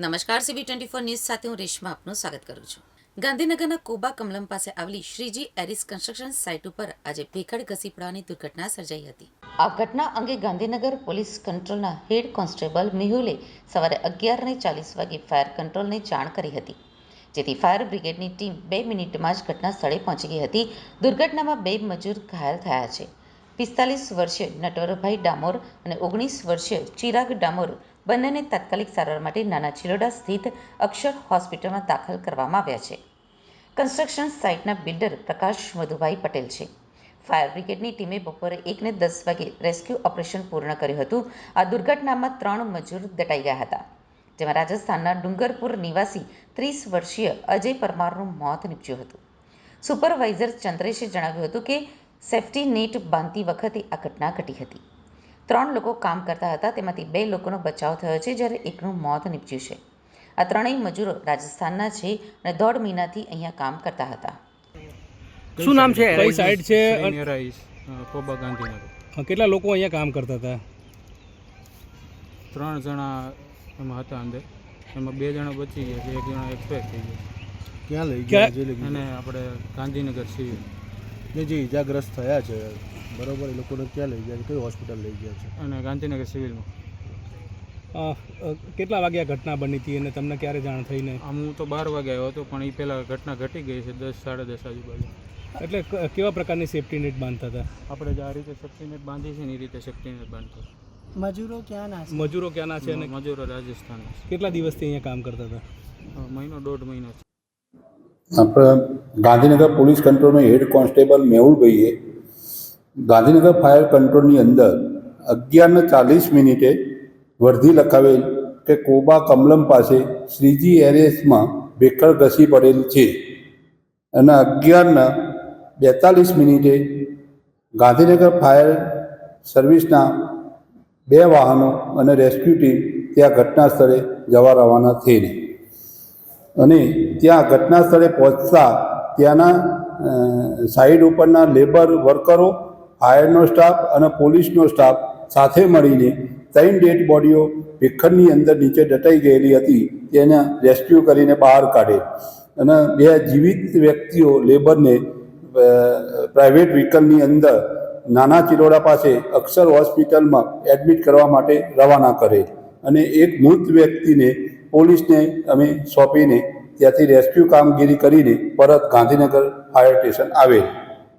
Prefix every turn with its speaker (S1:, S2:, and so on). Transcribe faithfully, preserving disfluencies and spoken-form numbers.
S1: નમસ્કાર, CB twenty four news સાથે હું રેશમા આપનું સ્વાગત કરું છું. ગાંધીનગરના કોબા કમલમ પાસે આવેલી શ્રીજી એરિસ કન્સ્ટ્રક્શન સાઇટ ઉપર આજે ભેખડ ઘસી પડવાની દુર્ઘટના સર્જાઈ હતી. આ ઘટના અંગે ગાંધીનગર પોલીસ કંટ્રોલના હેડ કોન્સ્ટેબલ મેહુલે સવારે અગિયાર ને ચાલીસ વાગે ફાયર કંટ્રોલને જાણ કરી હતી, જેથી ફાયર બ્રિગેડની ટીમ બે મિનિટમાં જ ઘટના સ્થળે પહોંચી ગઈ હતી. દુર્ઘટનામાં બે મજૂર ઘાયલ થયા છે. પિસ્તાલીસ વર્ષીય નટવરભાઈ ડામોર અને ઓગણીસ વર્ષીય ચિરાગ ડામોર બંનેને તાત્કાલિક સારવાર માટે નાના ચિલોડા સ્થિત અક્ષર હોસ્પિટલમાં દાખલ કરવામાં આવ્યા છે. કન્સ્ટ્રક્શન સાઇટના બિલ્ડર પ્રકાશ મધુભાઈ પટેલ છે. ફાયર બ્રિગેડની ટીમે બપોરે એકને દસ વાગે રેસ્ક્યુ ઓપરેશન પૂર્ણ કર્યું હતું. આ દુર્ઘટનામાં ત્રણ મજૂર દટાઈ ગયા હતા, જેમાં રાજસ્થાનના ડુંગરપુર નિવાસી ત્રીસ વર્ષીય અજય પરમારનું મોત નીપજ્યું હતું. સુપરવાઇઝર ચંદ્રેશે જણાવ્યું હતું કે સેફ્ટી નેટ બાંધતી વખતે આ ઘટના ઘટી હતી. ત્રણ લોકો કામ કરતા હતા, તેમાંથી બે લોકોનો બચાવ થયો છે, જ્યારે એકનું મોત નીપજ્યું છે. આ ત્રણેય મજૂરો રાજસ્થાનના છે અને દોઢ મહિનાથી અહીંયા કામ કરતા હતા.
S2: શું નામ છે?
S3: કઈ સાઈડ છે?
S2: કોબા ગાંધીનગર.
S3: કેટલા લોકો અહીંયા કામ કરતા હતા?
S2: ત્રણ જણા એમાં હતા અંદર, એમાં બે જણા બચી ગયા છે, એક જણા એક્સપાયર થઈ ગયા.
S4: ક્યાં લઈ ગયા જે લઈ
S2: અને આપણે ગાંધીનગર સિવિલ
S4: ગયા જે ઇજાગ્રસ્ત થયા છે, બરોબર, એ લોકોને ક્યાં લઈ ગયા છે, કઈ હોસ્પિટલ લઈ ગયા છે?
S2: અને ગાંધીનગર સિવિલમાં.
S3: અ, અ, કેટલા વાગ્યા ઘટના બની હતી અને તમને ક્યારે જાણ થઈને?
S2: આમ હું તો બાર વાગે આવ્યો હતો, પણ એ પહેલાં ઘટના ઘટી ગઈ છે દસ સાડા દસ આજુબાજુ.
S3: એટલે ક- કેવા પ્રકારની સેફ્ટી નેટ બાંધતા હતા?
S2: આપણે જે આ રીતે સેફ્ટી નેટ બાંધી છે ને એ રીતે સેફ્ટી નેટ બાંધતો.
S5: મજૂરો ક્યાંના છે?
S3: મજૂરો ક્યાંના છે અને
S2: મજૂરો રાજસ્થાનના છે.
S3: કેટલા દિવસથી અહીંયા કામ કરતા હતા?
S2: હવે મહિનો દોઢ મહિનો છે.
S6: આપણે ગાંધીનગર પોલીસ કંટ્રોલમાં હેડ કોન્સ્ટેબલ મેહુલભાઈએ ગાંધીનગર ફાયર કંટ્રોલની અંદર અગિયારને ચાલીસ મિનિટે વર્ધી લખાવેલ કે કોબા કમલમ પાસે શ્રીજી એરેસમાં ભેખડ ઘસી પડેલ છે અને અગિયારના બેતાલીસ મિનિટે ગાંધીનગર ફાયર સર્વિસના બે વાહનો અને રેસ્ક્યુ ટીમ ત્યાં ઘટના સ્થળે જવા રવાના થયેલી અને ત્યાં ઘટના સ્થળે પહોંચતા ત્યાંના સાઈડ ઉપરના લેબર વર્કરો, ફાયરનો સ્ટાફ અને પોલીસનો સ્ટાફ સાથે મળીને ત્રણ ડેડ બોડીઓ ભેખડની અંદર નીચે દટાઈ ગયેલી હતી તેને રેસ્ક્યુ કરીને બહાર કાઢેલ અને બે જીવિત વ્યક્તિઓ લેબરને પ્રાઇવેટ વ્હીકલની અંદર નાના ચિલોડા પાસે અક્ષર હોસ્પિટલમાં એડમિટ કરવા માટે રવાના કરેલ અને એક મૃત વ્યક્તિને પોલીસને અમે સોંપીને ત્યાંથી રેસ્ક્યુ કામગીરી કરીને પરત ગાંધીનગર ફાયર સ્ટેશન આવેલ.